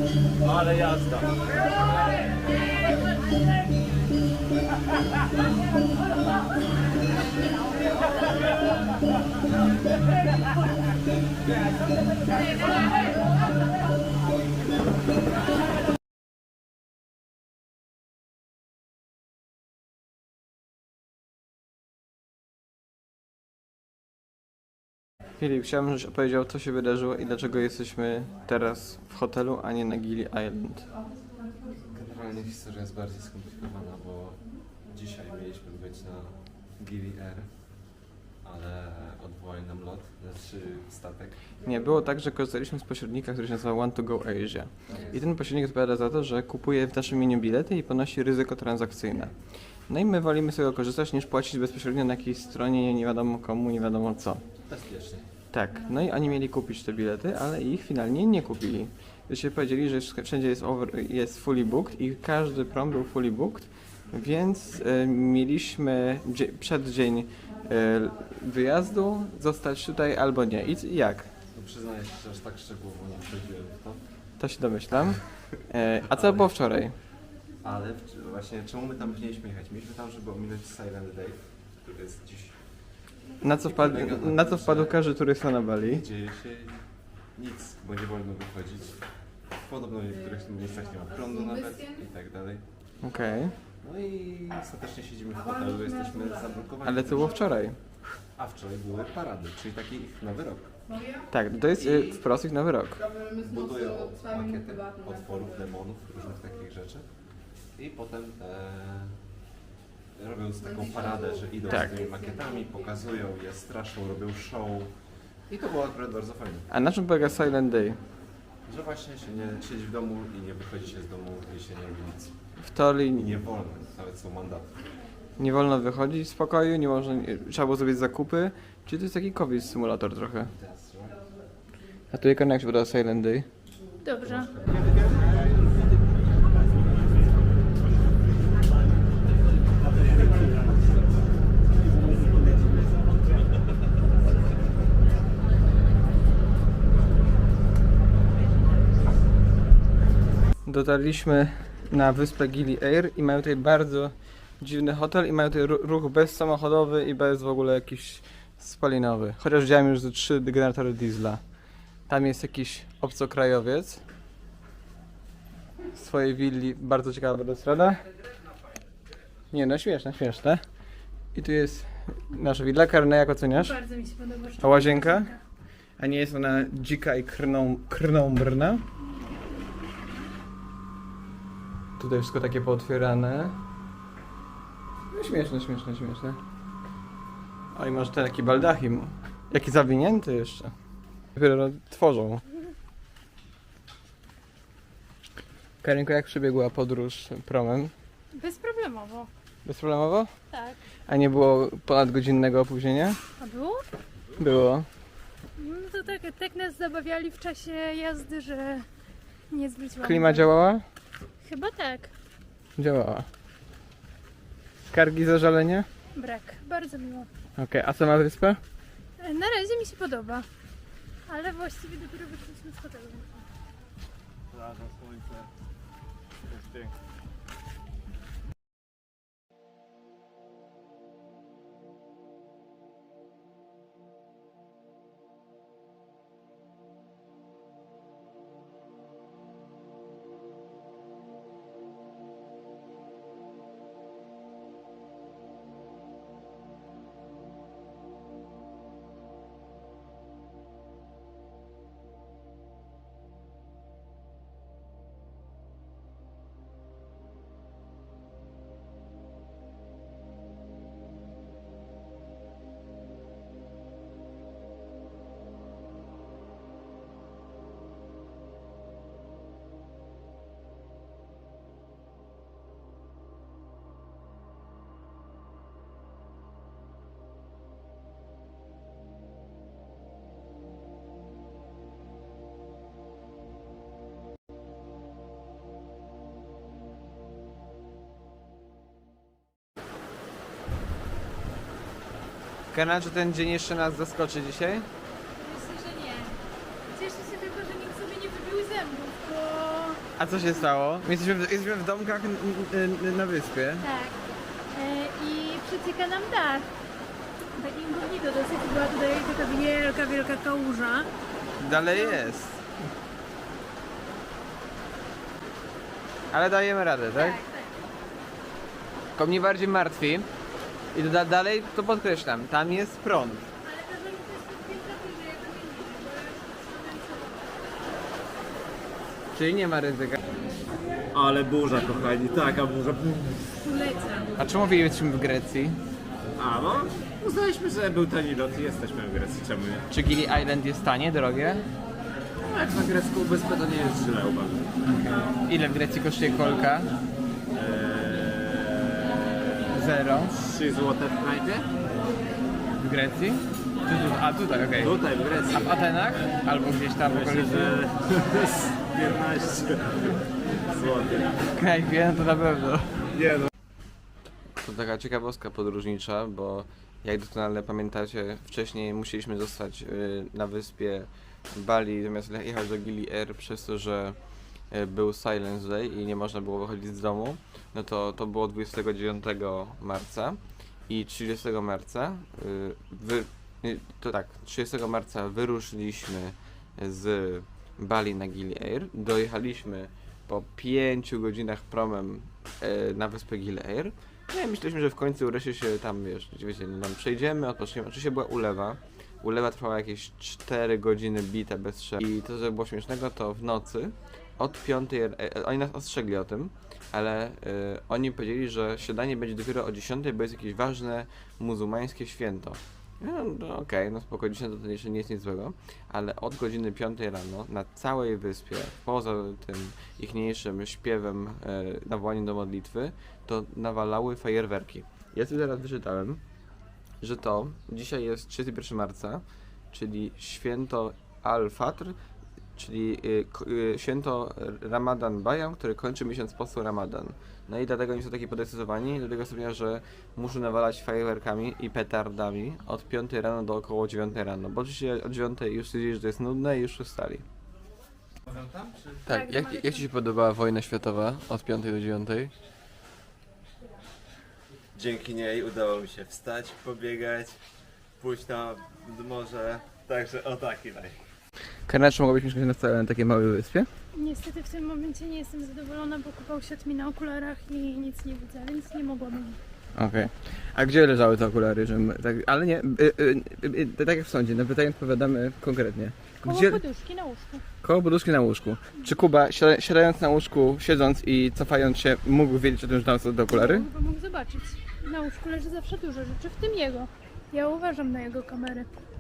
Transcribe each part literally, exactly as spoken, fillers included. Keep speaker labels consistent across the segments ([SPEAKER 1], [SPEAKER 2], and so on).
[SPEAKER 1] Ale jazda.
[SPEAKER 2] Filip, chciałbym, żebyś opowiedział, co się wydarzyło i dlaczego jesteśmy teraz w hotelu, a nie na Gili Island.
[SPEAKER 3] Generalnie historia jest bardziej skomplikowana, bo dzisiaj mieliśmy być na Gili Air, ale odwołali nam lot, znaczy statek.
[SPEAKER 2] Nie, było tak, że korzystaliśmy z pośrednika, który się nazywa One to Go Asia. I ten pośrednik odpowiada za to, że kupuje w naszym imieniu bilety i ponosi ryzyko transakcyjne. No i my wolimy z tego korzystać, niż płacić bezpośrednio na jakiejś stronie, nie wiadomo komu, nie wiadomo co.
[SPEAKER 3] Bezpiecznie.
[SPEAKER 2] Tak, no i oni mieli kupić te bilety, ale ich finalnie nie kupili. Dzisiaj powiedzieli, że wszędzie jest, over, jest fully booked i każdy prom był fully booked, więc y, mieliśmy dzie- przed dzień y, wyjazdu zostać tutaj albo nie. I jak?
[SPEAKER 3] No przyznaję się, że aż tak szczegółowo nie wchodziłem w to.
[SPEAKER 2] To się domyślam. E, a co było wczoraj?
[SPEAKER 3] Ale w, właśnie czemu my tam mieliśmy jechać? Mieliśmy tam, żeby ominąć Silent Day, który jest dziś.
[SPEAKER 2] Na co wpadł, na co wpadł każdy turysta na Bali?
[SPEAKER 3] Dzieje się nic, bo nie wolno wychodzić. Podobno w niektórych miejscach nie ma prądu nawet i tak dalej.
[SPEAKER 2] Okej.
[SPEAKER 3] No i ostatecznie siedzimy w hotelu, jesteśmy zablokowani.
[SPEAKER 2] Ale co było wczoraj?
[SPEAKER 3] A wczoraj były parady, czyli taki ich nowy rok.
[SPEAKER 2] Tak, to jest y, wprost ich nowy rok.
[SPEAKER 3] Budują makiety potworów, demonów, różnych takich rzeczy. I potem e, robią taką paradę, że idą
[SPEAKER 2] Tak.
[SPEAKER 3] z tymi makietami, pokazują je, straszą, robią show. I to było akurat bardzo fajne.
[SPEAKER 2] A na czym polega Silent Day?
[SPEAKER 3] Że właśnie się nie siedzi w domu i nie wychodzi się z domu i się nie robi nic.
[SPEAKER 2] W teorii
[SPEAKER 3] I nie wolno, nawet są mandaty.
[SPEAKER 2] nie wolno wychodzić z pokoju, nie można, nie, trzeba było zrobić zakupy. Czyli to jest taki COVID symulator trochę. A tu jak jak się podoba Silent Day?
[SPEAKER 4] Dobrze.
[SPEAKER 2] Dotarliśmy na wyspę Gili Air i mają tutaj bardzo dziwny hotel i mają tutaj ru- ruch bezsamochodowy i bez w ogóle jakiś spalinowy. Chociaż widziałem już ze trzy generatory diesla. Tam jest jakiś obcokrajowiec w swojej willi, bardzo ciekawa balustrada. Nie no, śmieszne, śmieszne. I tu jest nasza willa. Karne, jak oceniasz?
[SPEAKER 4] Bardzo mi się podoba.
[SPEAKER 2] A łazienka? A nie jest ona dzika i krną, krnąbrna? Tutaj wszystko takie pootwierane. No śmieszne, śmieszne, śmieszne. O i masz ten taki baldachim. Jaki zawinięty jeszcze. Dopiero tworzą. Karinko, jak przebiegła podróż promem?
[SPEAKER 4] Bezproblemowo.
[SPEAKER 2] Bezproblemowo?
[SPEAKER 4] Tak.
[SPEAKER 2] A nie było ponadgodzinnego opóźnienia?
[SPEAKER 4] A było?
[SPEAKER 2] Było.
[SPEAKER 4] No to tak, tak nas zabawiali w czasie jazdy, że nie zwróciłam.
[SPEAKER 2] Klima
[SPEAKER 4] uwagi.
[SPEAKER 2] działała?
[SPEAKER 4] Chyba tak.
[SPEAKER 2] Działała. Skargi, zażalenia?
[SPEAKER 4] Brak. Bardzo miło.
[SPEAKER 2] Okej, a co ma wyspa?
[SPEAKER 4] E, Na razie mi się podoba. Ale właściwie dopiero wyszliśmy z hotelu.
[SPEAKER 1] Plaża, słońce. Jest pięknie.
[SPEAKER 2] Kana, czy ten dzień jeszcze nas zaskoczy dzisiaj?
[SPEAKER 4] Myślę, że nie. Cieszę się tylko, że nikt sobie nie wybił zębów, bo
[SPEAKER 2] A co się stało? Jesteśmy w, jesteśmy w domkach n, n, na wyspie.
[SPEAKER 4] Tak. E, I przecieka nam dach. Taki incognito dosyć, była tutaj taka wielka, wielka kałuża.
[SPEAKER 2] Dalej jest. Ale dajemy radę, tak?
[SPEAKER 4] tak.
[SPEAKER 2] Tylko mnie bardziej martwi. I da, dalej to podkreślam, tam jest prąd.
[SPEAKER 4] Ale to, że to jest tak piękna, że ja to nie widzę, bo ja już
[SPEAKER 2] Czyli nie ma ryzyka.
[SPEAKER 1] Ale burza, kochani, taka burza.
[SPEAKER 4] polecam.
[SPEAKER 2] A czemu jesteśmy w Grecji?
[SPEAKER 1] A no, uznaliśmy, że był tani lot i jesteśmy w Grecji, czemu nie?
[SPEAKER 2] Czy Gili Island jest tanie, drogie?
[SPEAKER 1] No, jak na grecką wyspę to nie jest źle, uważam.
[SPEAKER 2] Ile w Grecji kosztuje kolka?
[SPEAKER 1] Eee,
[SPEAKER 2] Zero.
[SPEAKER 1] trzy złote w knajpie?
[SPEAKER 2] W Grecji? Czy tu, a tutaj, okej.
[SPEAKER 1] Tutaj, w Grecji.
[SPEAKER 2] A w Atenach? Albo gdzieś tam w
[SPEAKER 1] Myślę,
[SPEAKER 2] okolicy?
[SPEAKER 1] że piętnaście złotych.
[SPEAKER 2] W knajpie, no to na pewno.
[SPEAKER 1] Nie no.
[SPEAKER 3] To taka ciekawostka podróżnicza, bo jak doskonale pamiętacie, wcześniej musieliśmy zostać y, na wyspie Bali, zamiast jechać do Gili Air przez to, że y, był Silence Day i nie można było wychodzić z domu. No to to było dwudziestego dziewiątego marca i trzydziestego marca y, wy, y, to tak, trzydziestego marca wyruszyliśmy z Bali na Gili Air, dojechaliśmy po pięciu godzinach promem y, na wyspę Gili Air. No i myśleliśmy, że w końcu wreszcie się tam, wiesz, wiecie, no, tam przejdziemy, odpoczniemy. Oczywiście była ulewa. Ulewa trwała jakieś cztery godziny bite bez przerwy. I to, co było śmiesznego, to w nocy od piątej, e, oni nas ostrzegli o tym, ale e, oni powiedzieli, że śniadanie będzie dopiero o dziesiątej, bo jest jakieś ważne muzułmańskie święto. No, no okej, okay, no spoko, dziesiąta to jeszcze nie jest nic złego, ale od godziny piątej rano na całej wyspie, poza tym ichniejszym śpiewem, e, nawołaniem do modlitwy, to nawalały fajerwerki. Ja sobie teraz wyczytałem, że to dzisiaj jest trzydziestego pierwszego marca, czyli święto Al-Fatr, czyli y, k- y, święto Ramadan Bayram, który kończy miesiąc postu Ramadan. No i dlatego oni są taki podekscytowani, do tego stopnia, że muszą nawalać fajerwerkami i petardami od piątej rano do około dziewiątej rano, bo oczywiście od dziewiątej już stwierdzili, że to jest nudne i już ustali. Tak,
[SPEAKER 4] Tak,
[SPEAKER 3] jak,
[SPEAKER 4] mamy-
[SPEAKER 3] jak Ci się podobała wojna światowa od piątej do dziewiątej?
[SPEAKER 1] Dzięki niej udało mi się wstać, pobiegać, pójść na morze, także o taki lej.
[SPEAKER 2] Karina, czy mogłabyś mieszkać na wcale na takiej małej wyspie?
[SPEAKER 4] Niestety w tym momencie nie jestem zadowolona, bo kupa usiadł mi na okularach i nic nie widzę, więc nie mogłabym.
[SPEAKER 2] Okej. A gdzie leżały te okulary? Że my, tak, ale nie, y, y, y, y, tak jak w sądzie, na pytanie odpowiadamy konkretnie.
[SPEAKER 4] Koło
[SPEAKER 2] Gdzie,
[SPEAKER 4] poduszki na łóżku.
[SPEAKER 2] koło poduszki na łóżku. Czy Kuba, siada- siadając na łóżku, siedząc i cofając się, mógł wiedzieć o tym, że tam są te okulary?
[SPEAKER 4] Bo mógł zobaczyć. Na łóżku leży zawsze dużo rzeczy, w tym jego. Ja uważam na jego kamerę.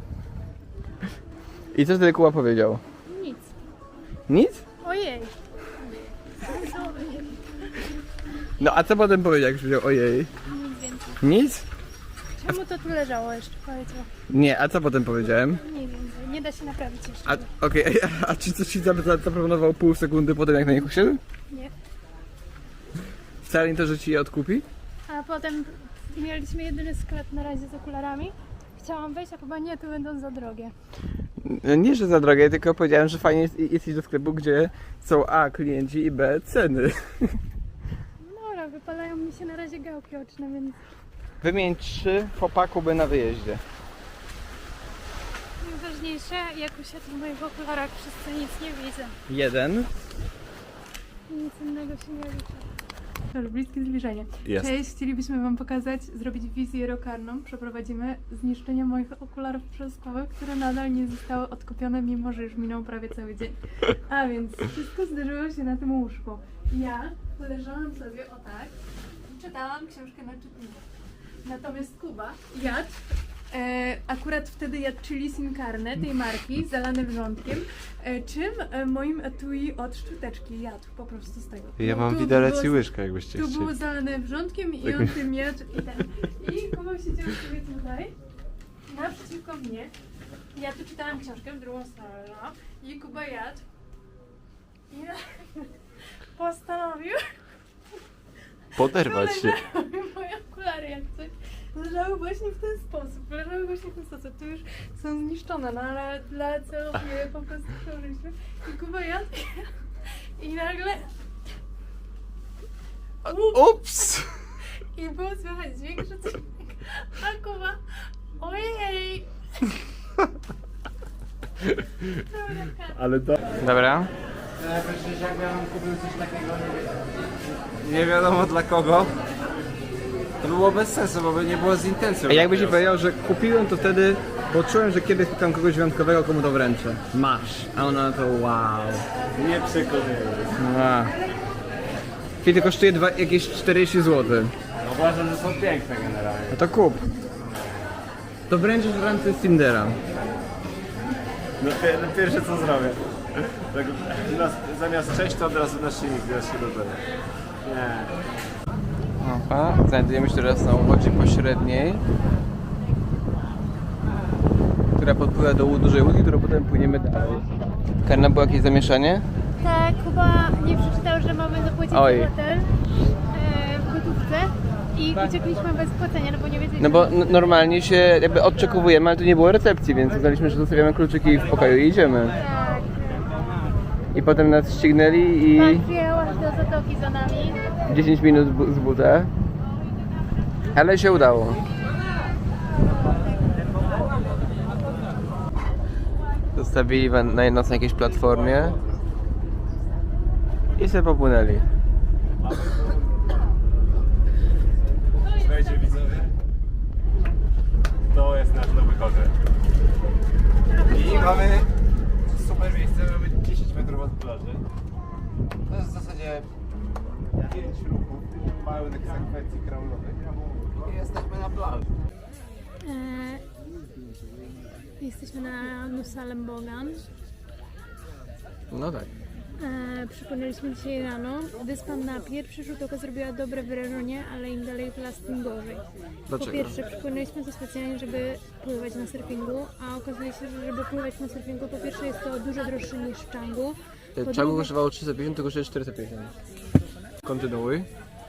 [SPEAKER 2] I co wtedy Kuba powiedział?
[SPEAKER 4] Nic.
[SPEAKER 2] Nic?
[SPEAKER 4] Ojej. Co ojej?
[SPEAKER 2] No a co potem powiedział, jak powiedział ojej?
[SPEAKER 4] Nic więcej.
[SPEAKER 2] Nic?
[SPEAKER 4] Czemu to tu leżało jeszcze? Powiedział.
[SPEAKER 2] Nie, a co potem powiedziałem?
[SPEAKER 4] Nie więcej. Nie da się naprawić jeszcze.
[SPEAKER 2] A okej, a, a czy coś ci za- za- zaproponował pół sekundy potem, jak na nich usiadł?
[SPEAKER 4] Nie.
[SPEAKER 2] Wcale nie to, że ci je odkupi?
[SPEAKER 4] A potem mieliśmy jedyny sklep na razie z okularami. Chciałam wejść, a chyba nie, tu będą za drogie.
[SPEAKER 2] Nie, że za drogie, tylko powiedziałem, że fajnie jest, jest iść do sklepu, gdzie są A klienci i B ceny.
[SPEAKER 4] No dobra, wypalają mi się na razie gałki oczne, więc
[SPEAKER 2] Wymień trzy fopa Kuby na wyjeździe.
[SPEAKER 4] najważniejsze, jak usiadł w moich okularach, przez co nic nie widzę.
[SPEAKER 2] Jeden.
[SPEAKER 4] Nic innego się nie liczy.
[SPEAKER 5] Dobrze, bliskie zbliżenie.
[SPEAKER 1] Jest.
[SPEAKER 5] Cześć, chcielibyśmy Wam pokazać, zrobić wizję rokarną. Przeprowadzimy zniszczenie moich okularów przezrokowych, które nadal nie zostały odkupione, mimo że już minął prawie cały dzień. A więc wszystko zdarzyło się na tym łóżku. Ja leżałam sobie o tak i czytałam książkę na czytniku. Natomiast Kuba jadł, e, akurat wtedy jadł chili sin carne tej marki, zalane wrzątkiem, e, czym e, moim etui od szczoteczki jadł po prostu z tego.
[SPEAKER 3] Ja
[SPEAKER 5] No,
[SPEAKER 3] mam
[SPEAKER 5] tu
[SPEAKER 3] widelec
[SPEAKER 5] było-
[SPEAKER 3] i łyżkę, jakbyście
[SPEAKER 5] Tu
[SPEAKER 3] chcieli.
[SPEAKER 5] było zalane wrzątkiem i on tym jadł i ten. I Kuba siedział sobie tutaj, naprzeciwko mnie. Ja tu czytałam książkę w drugą stronę, no. I Kuba jadł. I ja postanowił
[SPEAKER 3] Poderwać się.
[SPEAKER 5] leżały moje okulary jak coś. Leżały właśnie w ten sposób. Leżały właśnie w ten sposób. Tu już są zniszczone, no ale dla celów je po prostu przełożyliśmy. I Kuba jadł. I nagle...
[SPEAKER 3] Ups!
[SPEAKER 5] I było słychać dźwięk, że coś... A Kuba... Ojej!
[SPEAKER 1] Ale do...
[SPEAKER 2] Dobra.
[SPEAKER 1] Nie wiadomo dla kogo. To było bez sensu, bo by nie było z intencją.
[SPEAKER 2] A jakbyś ci powiedział, że kupiłem to wtedy, bo czułem, że kiedyś spotkam kogoś wyjątkowego, komu to wręczę. Masz. A ona to wow.
[SPEAKER 1] Nie przekonuję.
[SPEAKER 2] Wow. Kiedy kosztuje dwa, jakieś czterdzieści złotych.
[SPEAKER 1] Uważam, że są piękne generalnie.
[SPEAKER 2] No to kup. To wręczysz w ramce z Tindera.
[SPEAKER 1] No, pi- no pierwsze co zrobię. Tak, nas, zamiast cześć to od razu na silnik, teraz się dodaję. Nie.
[SPEAKER 2] Opa, znajdujemy się teraz na łodzi pośredniej, która podpływa do łu- dużej łódki, którą potem płyniemy dalej. Karna, było jakieś zamieszanie?
[SPEAKER 4] Tak, chyba nie przeczytał, że mamy zapłacić
[SPEAKER 2] Oj.
[SPEAKER 4] za hotel e, w gotówce i uciekliśmy bez płacenia, no bo nie wiedzieliśmy.
[SPEAKER 2] No bo n- normalnie się jakby odczekowujemy, ale tu nie było recepcji, więc uznaliśmy, że zostawiamy kluczyki w pokoju i idziemy.
[SPEAKER 4] Tak.
[SPEAKER 2] I potem nas ścignęli i
[SPEAKER 4] Pan przyjechał aż do Zatoki za nami.
[SPEAKER 2] dziesięć minut bu- z buta. Ale się udało. Zostawili wa- na nas na jakiejś platformie i sobie popłynęli.
[SPEAKER 1] Słuchajcie widzowie, to jest nasz nowy hotel. I mamy super miejsce, mamy dziesięć metrów od plaży. To jest w zasadzie pięć ruchów, pełnych sekwencji kraulowych. I jesteśmy na plaży.
[SPEAKER 4] E, jesteśmy na Nusa Lembogan.
[SPEAKER 2] No tak.
[SPEAKER 4] E, przypłynęliśmy dzisiaj rano. Wyspa na pierwszy rzut oka zrobiła dobre wrażenie, ale im dalej w las, tym gorzej.
[SPEAKER 2] Dlaczego?
[SPEAKER 4] Po pierwsze, przypłynęliśmy tu specjalnie, żeby pływać na surfingu, a okazuje się, że żeby pływać na surfingu, po pierwsze jest to dużo droższe niż w Changu. Po
[SPEAKER 2] Czego
[SPEAKER 4] drugie-
[SPEAKER 2] kosztowało trzysta pięćdziesiąt, to kosztuje czterysta pięćdziesiąt. Kontynuuj.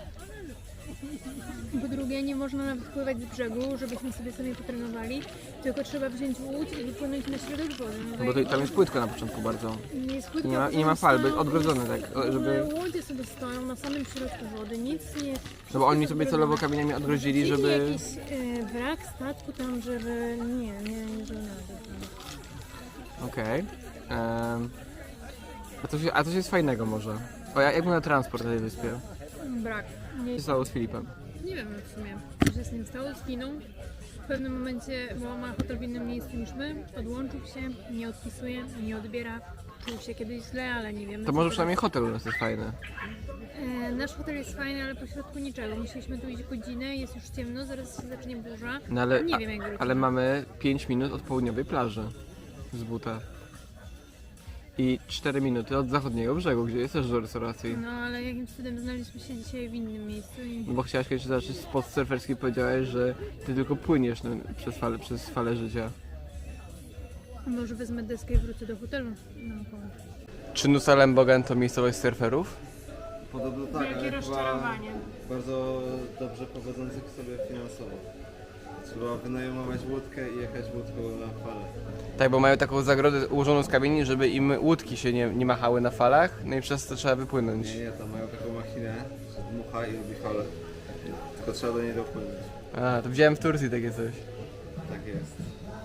[SPEAKER 4] Po drugie, nie można nawet pływać z brzegu, żebyśmy sobie sami potrenowali, tylko trzeba wziąć łódź i wypłynąć na środek wody. No
[SPEAKER 2] Bo to, tam jest płytko na początku bardzo.
[SPEAKER 4] nie jest płytko,
[SPEAKER 2] I nie ma, i nie ma fal, by odgrodzone tak, o, żeby...
[SPEAKER 4] Małe łodzie sobie stoją na samym środku wody, nic nie...
[SPEAKER 2] No bo oni sobie celowo kamieniami odgrodzili,
[SPEAKER 4] Chcieli
[SPEAKER 2] żeby...
[SPEAKER 4] jakiś e, wrak statku tam, żeby... Nie, nie, nie żołnierze.
[SPEAKER 2] Okej. Em, A coś, a coś jest fajnego może? O, jak jak wygląda transport na tej wyspie?
[SPEAKER 4] Brak. Nie,
[SPEAKER 2] Co się stało z Filipem?
[SPEAKER 4] nie wiem w sumie, co się z nim stało, zginął. W pewnym momencie, bo ma hotel w innym miejscu niż my, odłączył się, nie odpisuje, nie odbiera. Czuł się kiedyś źle, ale nie wiemy.
[SPEAKER 2] To
[SPEAKER 4] co
[SPEAKER 2] może
[SPEAKER 4] teraz.
[SPEAKER 2] przynajmniej hotel u nas jest fajny.
[SPEAKER 4] E, nasz hotel jest fajny, ale pośrodku niczego. Musieliśmy tu iść godzinę, jest już ciemno, zaraz się zacznie burza.
[SPEAKER 2] No ale,
[SPEAKER 4] nie
[SPEAKER 2] a,
[SPEAKER 4] wiem jak wrócimy.
[SPEAKER 2] ale mamy pięć minut od południowej plaży z buta. I cztery minuty od zachodniego brzegu, gdzie jest też dużo restauracji.
[SPEAKER 4] No ale jakimś cudem znaleźliśmy się dzisiaj w innym miejscu i...
[SPEAKER 2] No bo chciałaś kiedyś zacząć spot surferski i powiedziałeś, że ty tylko płyniesz no, przez, fale, przez falę życia.
[SPEAKER 4] Może wezmę deskę i wrócę do hotelu. No, pomóż.
[SPEAKER 2] Czy Nusa Lembogan to miejscowość surferów?
[SPEAKER 1] Podobno tak,
[SPEAKER 4] Wielkie
[SPEAKER 1] ale chyba
[SPEAKER 4] rozczarowanie.
[SPEAKER 1] bardzo dobrze powodzących sobie finansowo. Trzeba wynajmować łódkę i jechać łódką na falę.
[SPEAKER 2] Tak, bo mają taką zagrodę ułożoną z kamieni, żeby im łódki się nie, nie machały na falach, no i przez to trzeba wypłynąć.
[SPEAKER 1] Nie, nie, tam mają taką machinę, że dmucha i robi falę. Tylko trzeba do niej dopłynąć.
[SPEAKER 2] A, to widziałem w Turcji takie coś.
[SPEAKER 1] Tak jest.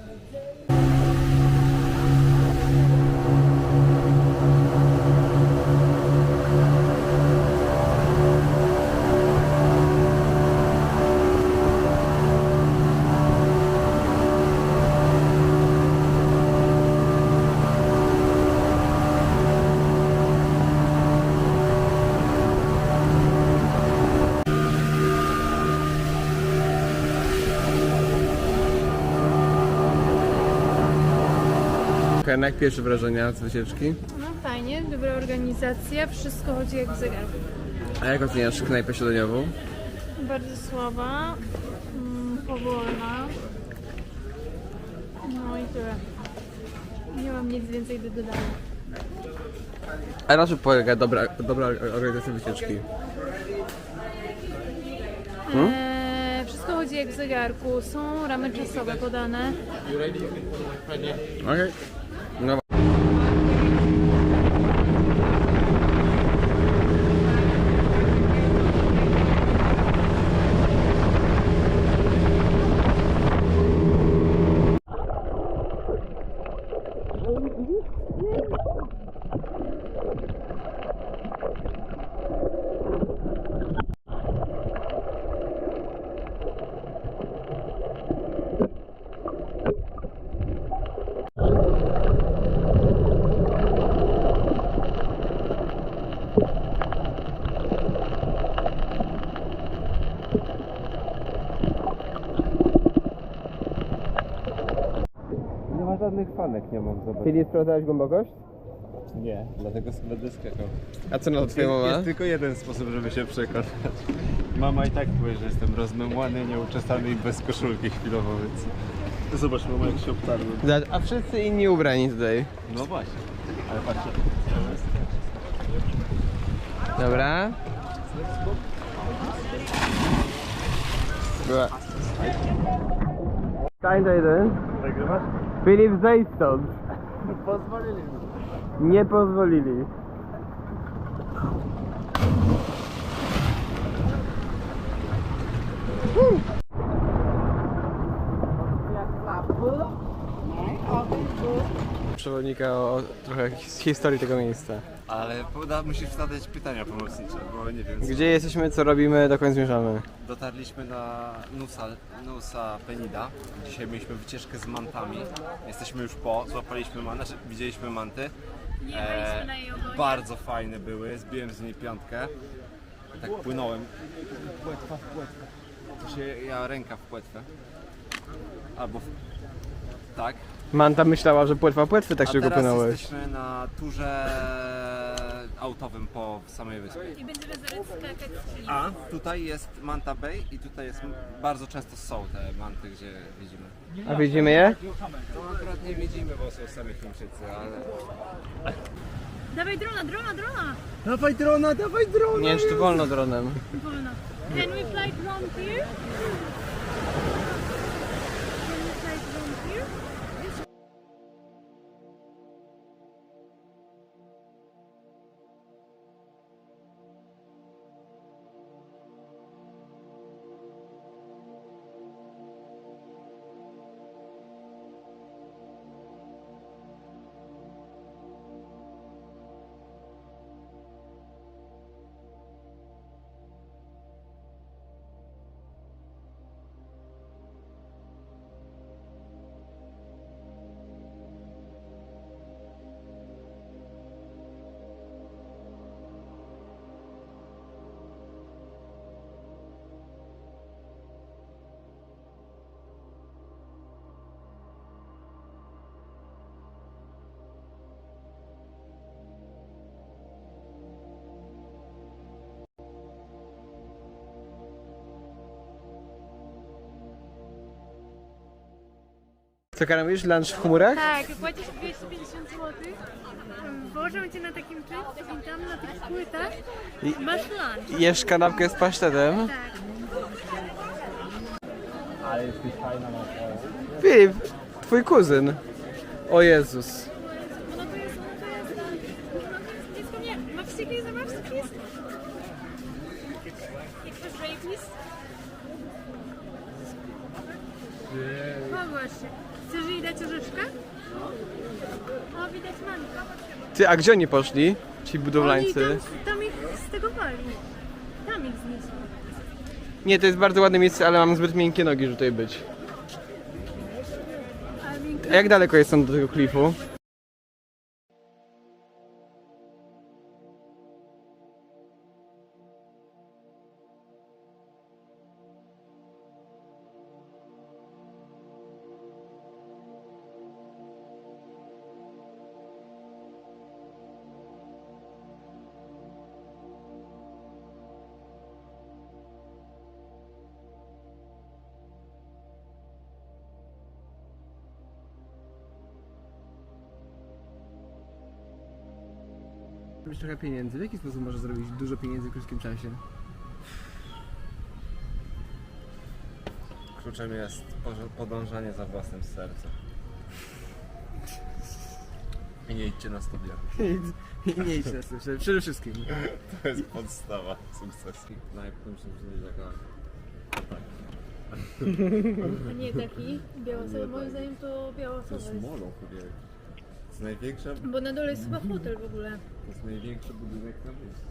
[SPEAKER 2] Okej, no jak pierwsze wrażenia z wycieczki?
[SPEAKER 4] No fajnie, dobra organizacja, wszystko chodzi jak w zegarku.
[SPEAKER 2] A jak oceniasz knajpę śniadaniową?
[SPEAKER 4] Bardzo słaba, mm, powolna. No i tyle. Nie mam nic więcej do dodania.
[SPEAKER 2] A na czym polega dobra, dobra organizacja wycieczki? Hmm?
[SPEAKER 4] Eee, wszystko chodzi jak w zegarku, są ramy czasowe podane.
[SPEAKER 2] Okej. No.
[SPEAKER 1] Nie ma żadnych fanek, nie mam zobaczyć.
[SPEAKER 2] Filip, sprawdzałeś głębokość?
[SPEAKER 1] Nie, dlatego będę skakał.
[SPEAKER 2] A co na to twoja
[SPEAKER 1] Jest,
[SPEAKER 2] mama?
[SPEAKER 1] jest tylko jeden sposób, żeby się przekonać. Mama i tak powie, że jestem rozmemłany, nieuczesany i bez koszulki chwilowo, więc... Zobacz, mama, jak się obtarłem.
[SPEAKER 2] Zobacz, a wszyscy inni ubrani tutaj.
[SPEAKER 1] No właśnie, ale patrzcie.
[SPEAKER 2] Dobra. Była. Stań do jeden.
[SPEAKER 1] Nagrywasz?
[SPEAKER 2] Filip, zejdź stąd.
[SPEAKER 1] Pozwolili.
[SPEAKER 2] Nie pozwolili. Przewodnika o trochę his- historii tego miejsca.
[SPEAKER 1] Ale poda, musisz zadać pytania pomocnicze, bo nie wiem.
[SPEAKER 2] Gdzie jesteśmy, co robimy, dokąd zmierzamy?
[SPEAKER 1] Dotarliśmy na Nusa, Nusa Penida. Dzisiaj mieliśmy wycieczkę z mantami. Jesteśmy już po, złapaliśmy manty, znaczy widzieliśmy manty.
[SPEAKER 4] Jechaliśmy na jej ogonie.
[SPEAKER 1] Bardzo fajne były, zbiłem z niej piątkę. Tak płynąłem. Płetwa w płetwę. To się ja ręka w płetwę. Albo w... tak.
[SPEAKER 2] Manta myślała, że płetwa płetwy tak
[SPEAKER 1] A
[SPEAKER 2] szybko
[SPEAKER 1] teraz
[SPEAKER 2] płynąłeś.
[SPEAKER 1] jesteśmy na turze autowym po samej wyspie.
[SPEAKER 4] I będziemy zaraz skakać z klif.
[SPEAKER 1] A tutaj jest Manta Bay i tutaj jest, bardzo często są te manty, gdzie widzimy.
[SPEAKER 2] A widzimy je?
[SPEAKER 1] No akurat nie widzimy, bo są sami Chińczycy, ale...
[SPEAKER 4] Dawaj drona, drona, drona!
[SPEAKER 1] Dawaj drona, dawaj drona!
[SPEAKER 2] Nie wiem, czy tu wolno dronem.
[SPEAKER 4] Wolno. Can we fly drone here? Can we fly drone here?
[SPEAKER 2] Co, Kara, mówisz? Lunch w chmurach?
[SPEAKER 4] Tak, płacisz dwieście pięćdziesiąt złotych, włożą cię na takim czymś i tam na tych płytach masz lunch.
[SPEAKER 2] Jesz kanapkę z pasztetem?
[SPEAKER 4] Tak.
[SPEAKER 1] Ale jesteś fajna na
[SPEAKER 2] Filip, twój kuzyn. O Jezus.
[SPEAKER 4] Ono to jest, ono to jest, ono to jest blisko mnie. Ma wściekli, zobaczcie, please. Express please. Pogłoś się. Chcesz jej dać orzeszka? O, widać manka.
[SPEAKER 2] Ty, a gdzie oni poszli? Ci budowlańcy.
[SPEAKER 4] Oni tam, tam ich z tego wali. Tam ich zniosą.
[SPEAKER 2] Nie, to jest bardzo ładne miejsce, ale mam zbyt miękkie nogi, żeby tutaj być.
[SPEAKER 4] A miękko.
[SPEAKER 2] A jak daleko jest stąd do tego klifu? Zrobić trochę pieniędzy. W jaki sposób możesz zrobić dużo pieniędzy w krótkim czasie?
[SPEAKER 1] Kluczem jest podążanie za własnym sercem. I nie idźcie na studia.
[SPEAKER 2] I nie idź na to, przede wszystkim.
[SPEAKER 1] To jest podstawa sukcesu.
[SPEAKER 3] Najpierw muszę taka...
[SPEAKER 4] A nie taki białosowy. Moim zdaniem to białosowy jest.
[SPEAKER 1] Molą chyba. największa,
[SPEAKER 4] Bo na dole jest chyba hotel w ogóle.
[SPEAKER 1] to jest największy budynek na wyspie.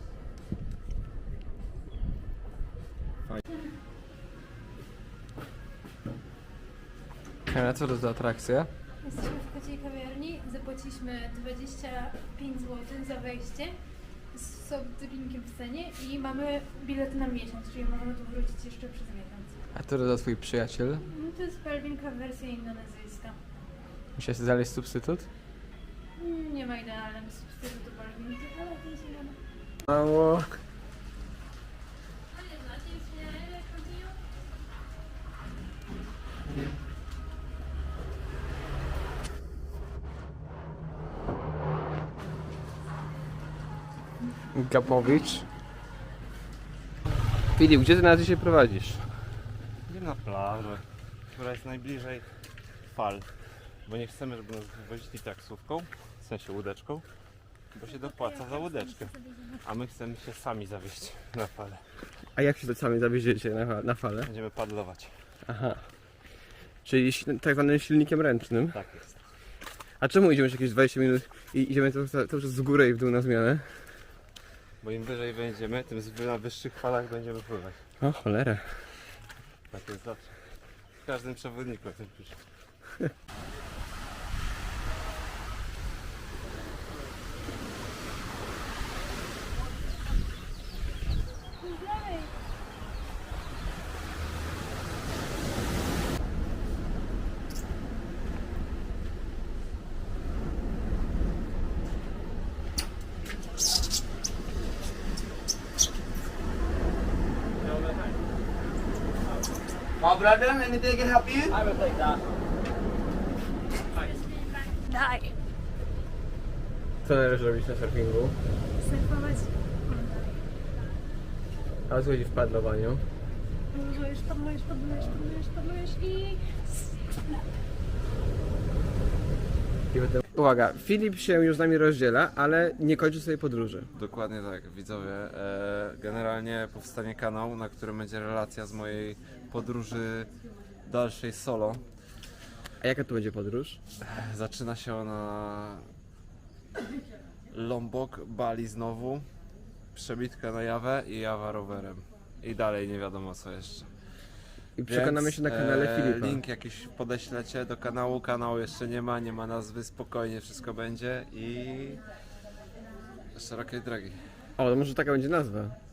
[SPEAKER 2] A co to za atrakcja?
[SPEAKER 4] Jesteśmy w kociej kawiarni, zapłaciliśmy dwadzieścia pięć złotych za wejście z soft drinkiem w cenie i mamy bilet na miesiąc, czyli możemy tu wrócić jeszcze przez miesiąc.
[SPEAKER 2] A co to za twój przyjaciel?
[SPEAKER 4] No to jest Pelwinka wersja indonezyjska.
[SPEAKER 2] Musiałeś znaleźć substytut?
[SPEAKER 4] Mm, Nie ma idealnego substytutu Pelwinki, ale to jest inna.
[SPEAKER 2] Mało. Gapowicz. Filip, gdzie ty nas dzisiaj prowadzisz?
[SPEAKER 1] Idziemy na plażę, która jest najbliżej fal, bo nie chcemy, żeby nas wywozili taksówką, w sensie łódeczką, bo się dopłaca za łódeczkę, a my chcemy się sami zawieźć na falę.
[SPEAKER 2] A jak się to sami zawieziecie na, na falę?
[SPEAKER 1] Będziemy padlować.
[SPEAKER 2] Aha. Czyli sil- tak zwanym silnikiem ręcznym.
[SPEAKER 1] Tak jest.
[SPEAKER 2] A czemu idziemy już jakieś dwadzieścia minut i idziemy cały cały czas z góry i w dół na zmianę?
[SPEAKER 1] Bo im wyżej będziemy, tym z- na wyższych falach będziemy pływać.
[SPEAKER 2] O cholera.
[SPEAKER 1] Tak jest zawsze. W każdym przewodniku o tym pisze.
[SPEAKER 6] My brother, anything I can help you? I will take that.
[SPEAKER 4] Daj!
[SPEAKER 2] Co należy robić na surfingu?
[SPEAKER 4] Surfować.
[SPEAKER 2] A o co chodzi w padlowaniu?
[SPEAKER 4] Padlujesz, padlujesz, padlujesz, padlujesz, padlujesz i...
[SPEAKER 2] I potem... Uwaga, Filip się już z nami rozdziela, ale nie kończy swojej podróży.
[SPEAKER 3] Dokładnie tak, widzowie. E, generalnie powstanie kanał, na którym będzie relacja z mojej podróży dalszej solo.
[SPEAKER 2] A jaka to będzie podróż?
[SPEAKER 3] Zaczyna się ona Lombok, Bali znowu, przebitka na Jawę i Jawa rowerem. I dalej nie wiadomo co jeszcze.
[SPEAKER 2] I przekonamy
[SPEAKER 3] Więc,
[SPEAKER 2] się na kanale
[SPEAKER 3] e,
[SPEAKER 2] Filipa.
[SPEAKER 3] Link jakiś podeślecie do kanału, kanału jeszcze nie ma, nie ma nazwy, spokojnie wszystko będzie i szerokiej drogi.
[SPEAKER 2] O, to może taka będzie nazwa.